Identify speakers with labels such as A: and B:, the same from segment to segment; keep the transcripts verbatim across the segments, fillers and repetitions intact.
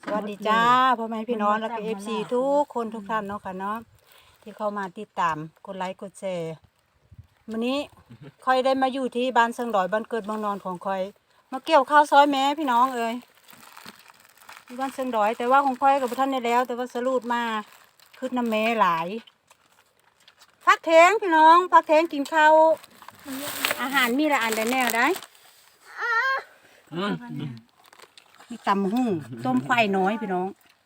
A: สวัสดีจ้าพ่อแม่พี่น้องแล้วก็เอฟซีทุกคนทุกท่านเนาะค่ะเนาะที่เข้ามาติดตามกดไลค์กดแชร์วันนี้คอยได้มาอยู่ที่บ้านเซิงดอยบ้านเกิดเมืองนอนของคอยมาเกี่ยวข้าวซอยแม่พี่น้องเอ้ยที่บ้านเซิงดอยแต่ว่าของคอยกับท่านได้แล้ว แต่ว่าสรุปมาขึ้นน้ำแม่หลายพักเทงพี่น้องพักเทงกินข้าวอาหารมีละอันได้แน่ได้มีตำหุ่งต้มไฟน้อยพี่น้อง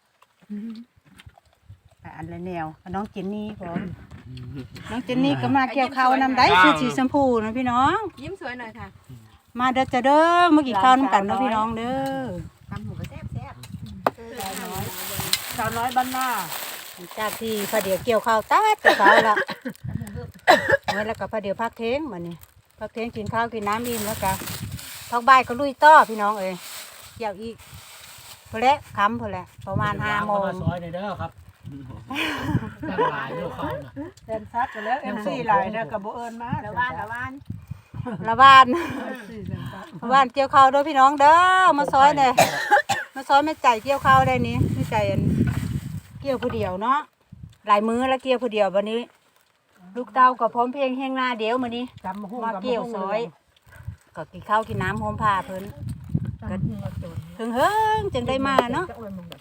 A: อันละแนวน้องเจนนี่พร้อมน้องเจนนี่ก็มาเกี่ยวข้าวนำได้ชุดสีชมพูนะพี่น้อง
B: ยิ้มสวยหน่อยค่ะ
A: มาเด้อจะเด้อเมื่อกี้ข้าวน้ำกันเนาะพี่น้องเด้อ
B: ตำหมูกระแซ่บแซ่บสาวน้อย
A: สาวน้อยบ้านหน้าจากที่พอเดี๋ยวเกี่ยวข้าวตัดกับเขาละไว้แล้วก็พอเดี๋ยวพักเท้งมานี่พักเท้งกินข้าวกินน้ำอิ่มแล้วก็พักบ่ายก็ลุยต่อพี่น้องเอ้ยเกี่ยวอีกพอแล้วคำพอแล้วประมาณห้าโมง
C: ซอยในเด้อครับแม่ลายเด้อเขาน่ะ
A: เดินซัดไปแล้วเอ็มซีหลายนะกับโบเอิญมา
B: ละบ้านละบ้าน
A: ละบ้านละบ้านเกี่ยวข้าวด้วยพี่น้องเด้อมาซอยเลยมาซอยไม่ใจเกี่ยวข้าวได้นี้ไม่ใจเกี่ยวผู้เดียวเนาะหลายมื้อแล้วเกี่ยวผู้เดียววันนี้ลูกเต้ากับพร้อมเพลงแห้งหน้าเดียวมื้อนี้มาเกี่ยวซอยก็กินข้าวกินน้ำหอมผ้าเพิ่นก็ถึงเฮิงจึงได้มาเนาะ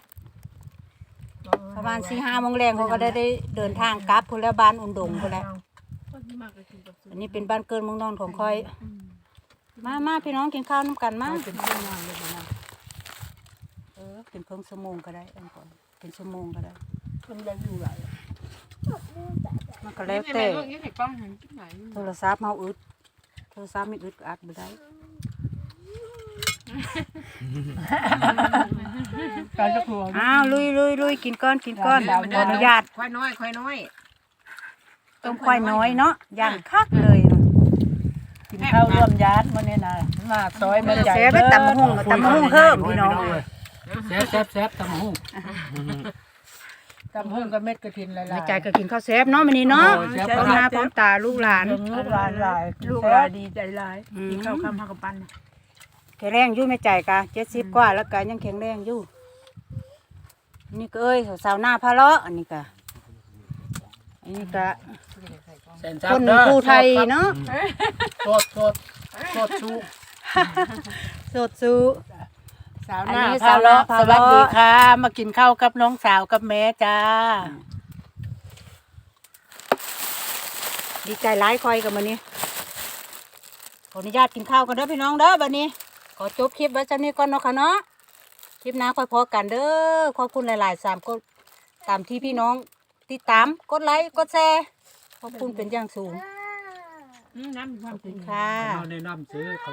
A: ประมาณสี่ห้าโมงแรงเขาก็ได้ได้เดินทางกลับพุ่นแล้วบ้านอุ่นดงพุ่นแล้วอันนี้เป็นบ้านเกินเมืองนอนของคอยมามาพี่น้องกินข้าวน้ำกันมาเป็นชั่วโมงเลยนะเออเป็นเพิ่งชั่วโมงก็ได้อันก่อนเป็นชั่วโมงก็ได้มันยังอยู่ไหลมันก็แล้วแต่โทรศัพท์เฮาอึดโทรศัพท์ไม่อึดก็อัดไม่ได้อ้าวลุยลุยลุยกินก้อนกินก้อนขออนุญาต
B: ควายน้อยควายน้อย
A: ต้มควายน้อยเนาะย่างคักเลย
D: กินข้าวร่วมญาติมันเนี่ยนะมาซอยมันใหญ่
A: เสียไปตำมะฮุ่งตำมะฮุ่งเพิ่มพี่น้อง
C: แซ่บแซ่บแซ่บตำมะฮุ่ง
D: ตำหุ่งกับเม็ดกระถินหลายๆ
A: ในใจก็กินข้าวแซ่บเนาะมันนี้เนาะพร้อมหน้าพร้อมตาลูกหลาน
D: ลูกหลานหลายลูกหลานดีใจหลายกินข้าวข้ามหักกับปั้น
A: แข็งแรงอยู่ไม่ใจกะเจ็ดสิบกว่าแล้วกะยังแข็งแรงอยู่นี่ก็เอ้ยสาวหน้าพะเลาะอันนี้กะอันนี้กะคนผู้ไทยเนาะ
C: สดสดสดชู
A: สดสู้
D: สาวหน้าพะเลาะสวัสดีค่ะมากินข้าวกับน้องสาวกับแม่จ้า
A: ดีใจร้ายคอยกับมันนี้ขออนุญาตกินข้าวกันเด้อพี่น้องเด้อบัดนี้ขอจบคลิปไว้จังนี้ก่อนเนาะค่ะเนาะคลิปหน้าค่อยพอกันเด้อขอบคุณหลายๆสามกดตามที่พี่น้องติดตามกดไลค์กดแชร์ขอบคุณเป็นอย่างสูง
B: น้ำมีความ
A: ขอบคุณค่ะ
C: แนะนำซื้อ